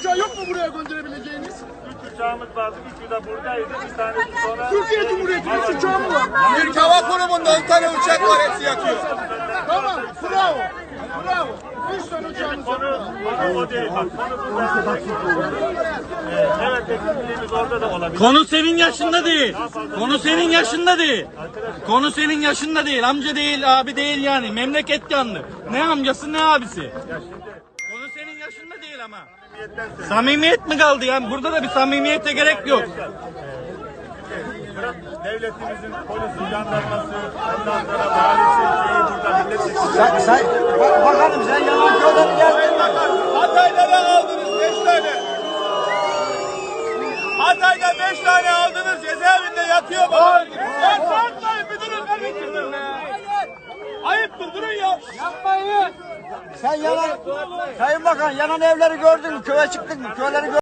uçağı yok mu buraya gönderebileceğiniz? 3 uçağımız vardı. 3'ü de buradaydı. Bir tanesi sonra... Türkiye Cumhuriyeti'nin uçağı mı var? Türk Hava Kurumu'nda 10 tane uçak var, hepsi yakıyor. Tamam, bravo. Bravo. 3 tane uçağımız var. Konu o değil. Bak, konu burada. Evet, eksikliğimiz orada da olabilir. Konu senin yaşında değil. Konu senin yaşında değil. Konu senin yaşında değil. Amca değil, abi değil yani. Memleket yandı. Ne amcası ne abisi. Konu senin yaşında değil ama. Samimiyet mi kaldı yani? Burada da bir samimiyete gerek yok. Devletimizin polisi, jandarması, ondan sonra valisi, şeyi burada milletvekili. Bakalım sen yalan köyden geldin. Hatay'da da aldınız 5 tane. Hatay'da 5 tane aldınız, cezaevinde yatıyor baba. Ya satmayın müdürüm, ben bitirdim. Ayıptır, durun ya. Yapmayın. Sen yalan, Sayın Bakan yanan evleri gördün mü? Köye çıktın mı? Köyleri gördün mü?